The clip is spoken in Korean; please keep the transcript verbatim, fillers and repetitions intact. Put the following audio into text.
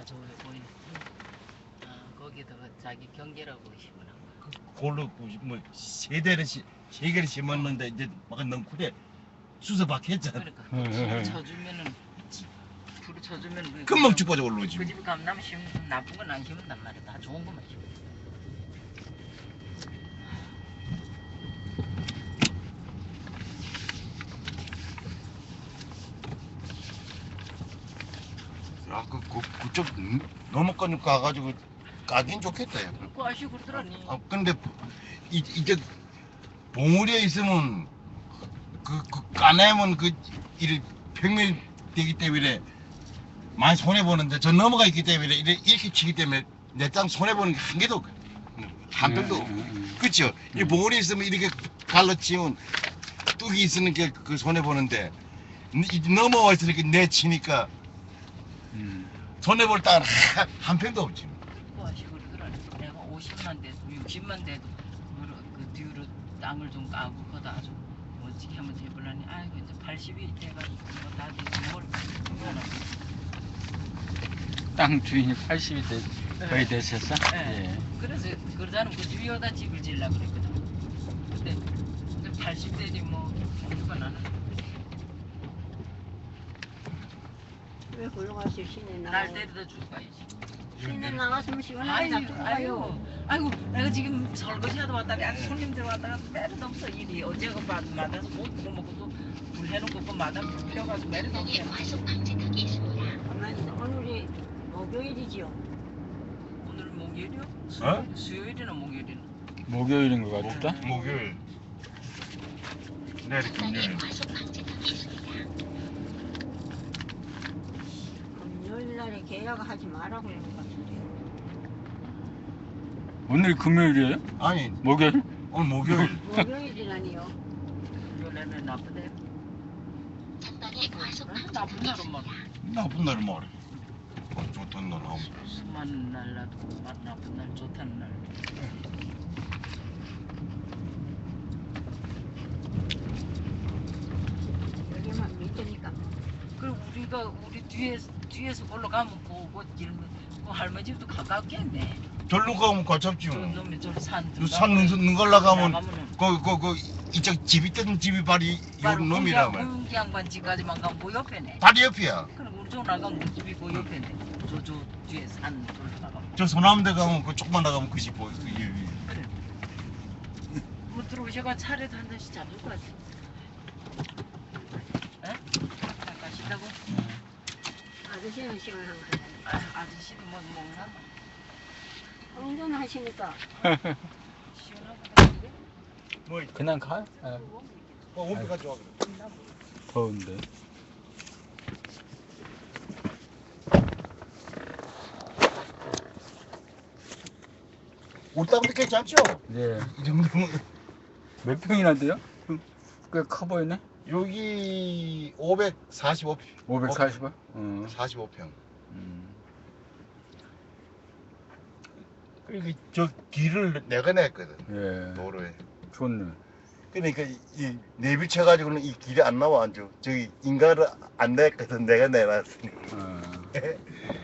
저기 보이네. 아, 거기다가 자기 경계라고 심으나. 골로 뭐 세대를 시, 세 개를 심었는데 이제 막 넝쿨에 수서박 했잖아. 그러니까 불을 쳐주면은 불을 쳐주면 그 금방 죽어져 올라오지. 그 집 감나무 심으면 나쁜 건 안 심는단 말이야. 다 좋은 것만 심어. 야, 그, 그, 그쪽 넘어가니까 가가지고 까긴 좋겠다. 야. 그 아시 그러더라니. 아, 근데 이, 이제 봉우리에 있으면 그, 그 까내면 그 이래 평면 되기 때문에 많이 손해 보는데 저 넘어가 있기 때문에 이래 이렇게 치기 때문에 내 땅 손해 보는 게 한 개도 없고 한 병도 없고 그렇죠. 이 봉우리 있으면 이렇게 갈라치면 뚝이 있으니까 그 손해 보는데 이- 넘어와 있으니까 내 치니까 음. 손해 볼 땅 한 평도 없지. 그 아시 그러더라니. 내가 오십만 대도 육십만 대도 그러- 그 뒤로 땅을 좀 까고 그거 아주 멋지게 한번 해보려니 아이고 이제 팔십이 돼가지고 뭐다 되지 뭘 하나. 땅 주인이 팔십이 대, 거의 네. 되셨어? 네. 예. 그래서 그러자는 그 위에다 집을 지으려고 그랬거든. 근데 근데 팔십 대니 뭐 엄두가 나는. 왜 굴러가시 시내 날 나가요? 때려다 줄 거야지. 시내 나갔으면 시원하게 아유, 놔두고 아유, 가요. 아이고, 내가 지금 설거지하다 왔다니, 아주 손님들 왔다가 매를 없어 일이. 어제 그 마- 마다서 못 구워 먹고 또 불 해놓고 그 마당 불 피워가지고 매를 없어. 가만히 오늘이 목요일이지요. 오늘 목요일이요? 어? 수요일이나 목요일이나? 목요일인 것 같다? 목요일 내일 금요일 금요일 날에 계약하지 말라고 그러는 것 같은데. 오늘 금요일이에요? 아니 목요일? 오늘 목요일 목요일이라니요. 금요일에는 나쁘대. 어? 나쁜 날은 뭐 나쁜 날은 뭐래 좋던 날 하고 수많은 날 나도 마- 나쁜 날 좋다는 날. 여기만 밑에니까. 그리고 우리가 우리 뒤에서 뒤에서 올라가면 그거 길면 그 할머니 집도 가깝겠네. 절로 가면 가깝지 저 뭐. 놈이 저산 산 능선 가려가면 나가면은 그, 그, 그, 이쪽 집이 뜬 집이 바로 이 바로 놈이라면 공기 양반 집까지만 가면 그 옆에네. 다리 옆이야. 그럼 우리 쪽 나가면 그 집이 그 옆에네. 저저 뒤에 산 돌로 나가면. 저 소남대 가면 그 조금만 나가면 그 집 보여. 그 이- 이- 그래. 뭐 들어오셔가 차례도 한 잔씩 잡을 것 같아. 에? 잠깐 쉬다고? 아저씨는 시원한 거. 아, 아저씨도 뭐 먹나? 운전하시니까. 시원하거든요. 뭐 그냥 가? 예. 어, 원피 가져와 그래. 더운데. 우리 땅도 괜찮죠? 예. 이 정도면 몇 평이나 돼요? 꽤 커 보이네? 여기 오백사십오 평. 오백사십 원? 어. 사십오 평. 음. 그리고 저 길을 내가 냈거든. 예. 도로에. 좋네. 그러니까 이 내비 쳐가지고는 이 길이 안 나와 안 줘. 저기 인가를 안 냈거든. 내가 내놨으니. 어.